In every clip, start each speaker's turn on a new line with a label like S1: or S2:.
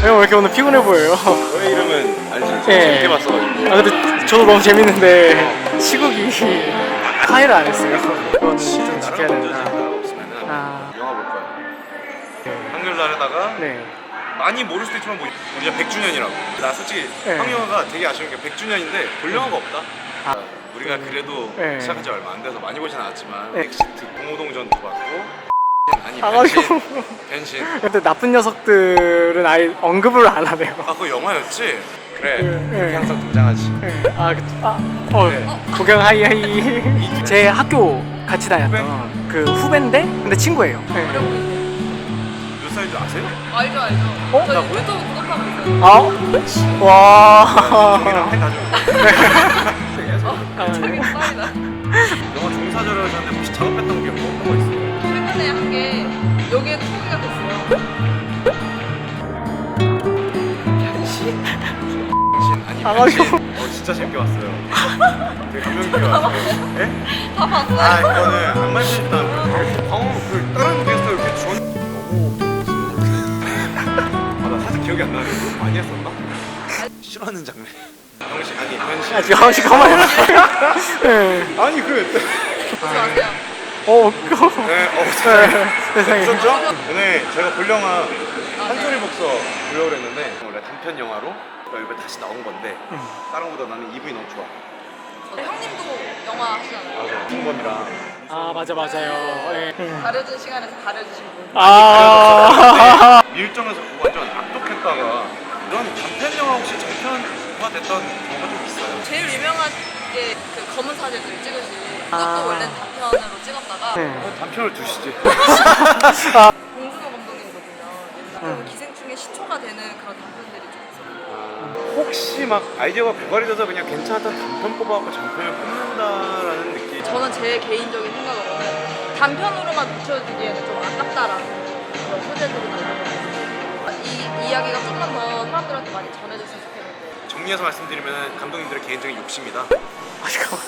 S1: 왜 이렇게 오늘 피곤해 보여요?
S2: 너의 이름은 알지?
S1: 예.
S2: 재밌게 봤어가지고.
S1: 아 근데 저도 너무 재밌는데 시국이 화해를 안 했어요. 그거는 좀 지켜야 된다.
S2: 없으면은
S1: 아,
S2: 영화 볼 거야. 한글날에다가
S1: 네.
S2: 많이 모를 수도 있지만 뭐 우리가 100주년이라고. 나 솔직히
S1: 네.
S2: 황영화가 되게 아쉬운 게 100주년인데 볼 영화가 없다.
S1: 아.
S2: 우리가 그래도
S1: 네.
S2: 시작한 지 얼마 안 돼서 많이 보진 않았지만
S1: 네.
S2: 엑시트, 공호동전도 봤고 아니
S1: 아가지고.
S2: 변신.
S1: 근데 나쁜 녀석들은 아예 언급을 안 하네요.
S2: 아 그거 영화였지? 그래
S1: 네.
S2: 그렇게 항상 등장하지.
S1: 네. 구경 하이. 제 학교 같이 다녔던 그 후배인데 근데 친구예요. 네.
S2: 몇 살인지 아세요?
S3: 알죠 알죠.
S1: 어?
S3: 저 유튜브 구독하고 있어요.
S1: 아? 와.
S2: 형이랑 해 가지고.
S3: 저기 짱이다.
S2: 영화 종사자를 하셨는데 혹시 작업했던 게 어떤 거 있어요?
S3: 최근에 한 게 여기에 소개가 됐어요.
S2: 아니
S1: 아가지고.
S2: 변신. 진짜 재밌게 봤어요. 되게 감명 깊게 봤어요. 예?
S3: 다 봤어요.
S2: 아 이거는 안 말씀드렸다. 그 다른 게스트 이렇게 전 아나 사실 기억이 안 나는데 너무 많이 했었나? 싫어하는 장르. 형식 아니 변신.
S1: 아 지금 한시 가만히. 네.
S2: 아니 그
S3: 보지 마세요.
S1: 그거.
S2: 네,
S1: 세상에.
S2: 있었죠? 오늘 제가 볼 영화 한소리 복서 보려고 했는데 원래 단편 영화로 이번에 다시 나온 건데 다른 거보다 나는 이분이 너무 좋아.
S3: 형님도 영화 하시잖아요.
S2: 맞아. 김범이랑
S1: 아 맞아요. 예.
S3: 가려진 시간에서 가려주신 분.
S1: 아.
S2: 밀정에서 보고 완전 악독했다가 이런 단편 영화 혹시 장편화 됐던 경우가 좀 있어요?
S3: 제일 유명한 게 그 검은 사제들 찍으신 그것도
S1: 아.
S3: 원래 단편으로 찍었다가
S1: 네.
S2: 단편을 두시지.
S3: 봉준호 감독님도 보면 옛날에 기생충의 시초가 되는 그런 단편들이 좀 있어요.
S2: 혹시 막 아이디어가 고갈이 돼서 그냥 괜찮았던 단편 뽑아갖고 장편을 뽑는다라는 느낌.
S3: 저는 제 개인적인 생각으로는 단편으로만 묻혀지기에는 좀 아깝다라는 그런 소재들이 있거든요. 이 이야기가 좀만 더 사람들한테 많이 전해졌으면 좋겠는데.
S2: 정리해서 말씀드리면 감독님들의 개인적인 욕심이다.
S1: 아 잠깐만.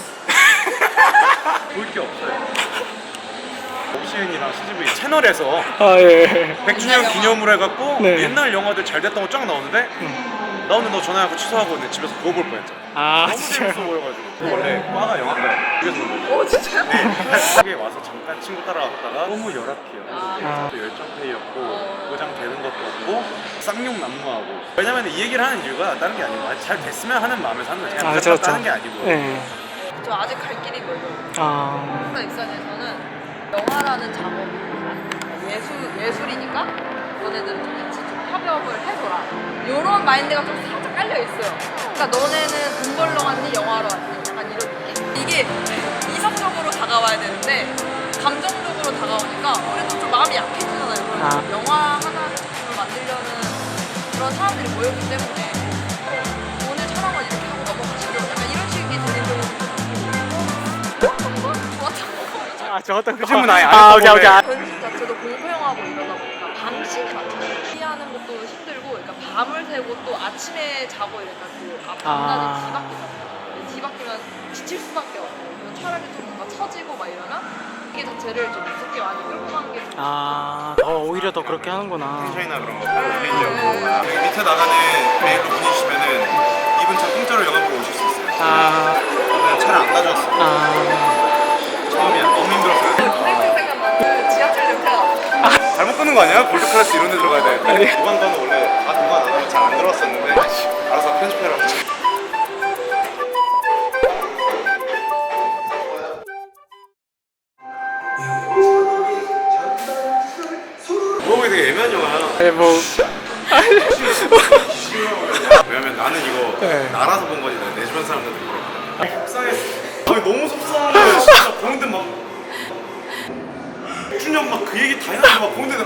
S2: 볼 게 없어요. 옵시은이랑 CGV 채널에서
S1: 아 예.
S2: 100주년 기념으로 해갖고
S1: 네.
S2: 옛날 영화들 잘 됐던 거 쫙 나오는데 나오는데 너 전화해갖고 취소하고 내 집에서 그거 볼 뻔했잖아.
S1: 아
S2: 너무 재밌어 보여가지고. 원래 과가 영화과야. 그래서 그런 거예요.
S3: 진짜요?
S2: 한국에 와서 잠깐 친구 따라갔다가 너무 열악해요.
S1: 아.
S2: 또 열정페이였고 보장 되는 것도 없고 쌍욕 난무하고. 왜냐면 이 얘기를 하는 이유가 다른 게 아니고 잘 됐으면 하는 마음에서 하는 거지.
S1: 아
S2: 그냥
S1: 그렇죠.
S2: 하는 게 아니고.
S1: 네.
S3: 저 아직 갈 길이 멀어요.
S1: 아.
S3: 영화 입장에서는 영화라는 작업이 예술이니까 너네들은 좀 같이 좀 협업을 해줘라. 이런 마인드가 좀 살짝 깔려 있어요. 그러니까 너네는 돈 벌러 왔니 영화로 왔니 약간 이런 느낌. 이게 이성적으로 다가와야 되는데 감정적으로 다가오니까 우리도 좀 마음이 약해지잖아요.
S1: 아.
S3: 영화 하나를 작품을 만들려는 그런 사람들이 모였기 때문에 오늘 촬영은 이렇게 하고 넘어가시죠. 약간 이런 식이 되는 경우도 정말 좋았던 거.
S1: 아 좋았던 거.
S2: 그 질문 아예 안
S1: 아
S2: 했던
S1: 오케이.
S3: 변신 자체도 공포영화고 이러다 보니까 밤시 자체가 피하는 것도 힘들고 그러니까 밤을 새고 또 아침에 자고 이러니까 그 밤낮이 뒤바뀌잖아요. 뒤바뀌면 지칠 수밖에 없고 그런 촬영이 좀 뭔가 처지고 막 이러면 이게 자체를 좀 무섭게 많이 끌고가는 게 좀
S1: 오히려 더 그렇게 하는구나.
S2: 텐션이나 그런 거 개인적으로 여기 밑에 나가는 메일로 문의 주시면은 이분 차 공짜로 영화 보러 오실 수 있어요. 오늘 차를 안 가져왔어. 처음이야. 너무 힘들었어요.
S3: 선생님 생각나는 지하철 냄새가
S2: 잘못 끊는 거 아니야? 골드클래스 이런 데 들어가야 돼. 보관관은 원래 다 보관 안 하면 잘 안 들어왔었는데 알아서 편집해라고. 물어보기 되게 애매한 영화야.
S1: 네, 뭐.
S2: 왜냐면 나는 이거
S1: 네.
S2: 나라서 본 거지 내 주변 사람들한테 물어봤거든. 속상했어. 아니 너무 속상한 거야. 진짜 보는데 막 6주년 막 그 얘기 다 해가지고 막 보는데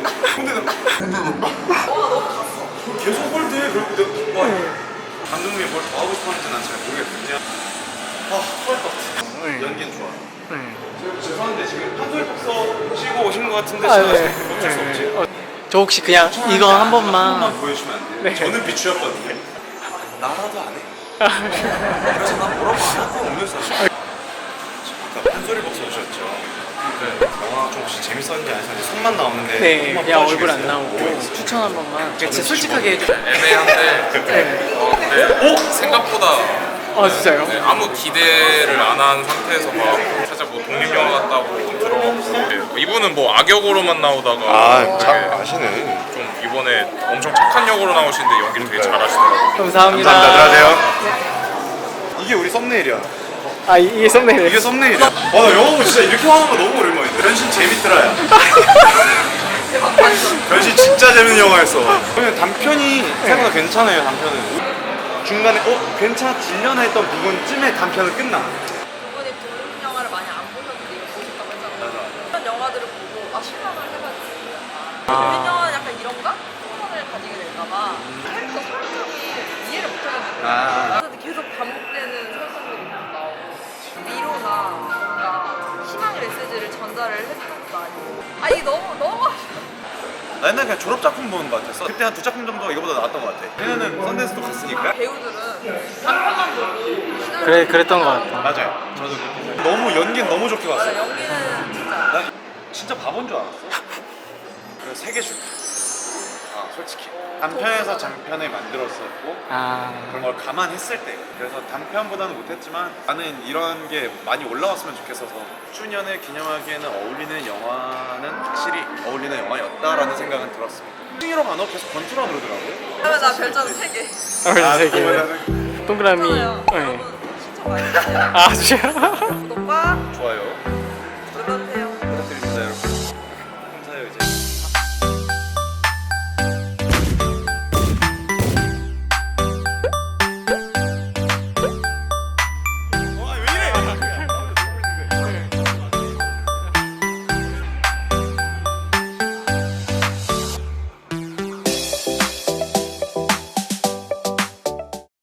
S2: 계속 홀드해. 그리고 내가 와 감독님이 뭘 더 하고 싶었는지 난 잘 모르겠거든요. 토할 것 같아. 연기는 좋아.
S1: 네.
S2: 죄송한데 지금 한솔 복서 치고 오신 것 같은데
S1: 아,
S2: 제가
S1: 네.
S2: 어쩔 수 없지.
S1: 저 혹시 그냥 이거 한 번만.
S2: 보여주시면 안 돼요?
S1: 네.
S2: 저는 비추였거든요. 나라도 안 해. 그래서 난 뭐라고 안 할 거 없는 사실. 아까 한소리 복서 오셨죠? 영화 좀 혹시 재밌었는지 안 했었는지 손만 나오는데
S1: 네,
S2: 손만
S1: 그냥
S2: 뽑아주시겠어요?
S1: 얼굴 안 나오고 추천 한 번만. 진짜 솔직하게 해주세요.
S4: 애매한데
S1: 네.
S4: 근데 생각보다
S1: 진짜요?
S4: 네, 아무 기대를 안 한 상태에서 막 살짝 뭐 독립영화 같다고 들어봤고 이분은 뭐 악역으로만 나오다가
S2: 잘
S4: 되게
S2: 아시네.
S4: 좀 이번에 엄청 착한 역으로 나오시는데 연기를 되게 잘하시더라고요.
S1: 감사합니다.
S2: 안녕하세요. 이게 우리 썸네일이야.
S1: 이게 썸네일.
S2: 이게 썸네일이야. 나 영화 보고 진짜 이렇게 하는 거 너무 오랜만이다. 변신 재밌더라, 야. 변신 진짜 재밌는 영화였어. 그러면 단편이 생각보다 괜찮아요, 단편은. 중간에 괜찮아지려나 했던 부분쯤에 단편은 끝나.
S3: 그분이 독립 영화를 많이 안 보셨는데 이거 보셨다고 했잖아요. 그런 영화들을 보고 실망을 해가지고 독립 영화는 약간 이런가? 소원을 가지게 될까봐 캐릭터 설정이 이해를 못하겠는데 근데 계속 반복되는 설정들이 계속 나오고 위로나 뭔가 희망의 메시지를 전달을 해주는 것도 아니고 이게 너무 아쉬워.
S2: 나 옛날에 그냥 졸업작품 보는 것 같았어. 그때 한 2작품 정도가 이거보다 나왔던 것 같아. 얘네는 썬댄스도 갔으니까.
S3: 배우들은 단편만 보고 시나리오
S1: 그래 그랬던 것 같아.
S2: 맞아요. 저도 그렇게. 너무 연기는 너무 좋게 봤어요.
S3: 연기는 진짜
S2: 난 진짜 바본 줄 알았어. 그래서 3개 줄게. 솔직히. 단편에서 장편을 만들었었고 그런 걸 감안했을 때 그래서 단편보다는 못했지만 나는 이런 게 많이 올라왔으면 좋겠어서 10주년을 기념하기에는 어울리는 영화는 확실히 어울리는 영화였다라는 생각은 들었습니다. 승희로가 너 계속 권투라 그러더라고요.
S3: 그러면 나 별점 3개.
S1: 세 개. 동그라미.
S3: 여러분
S1: 네.
S3: 신청 많이 해주세요.
S1: 진짜.
S3: 구독과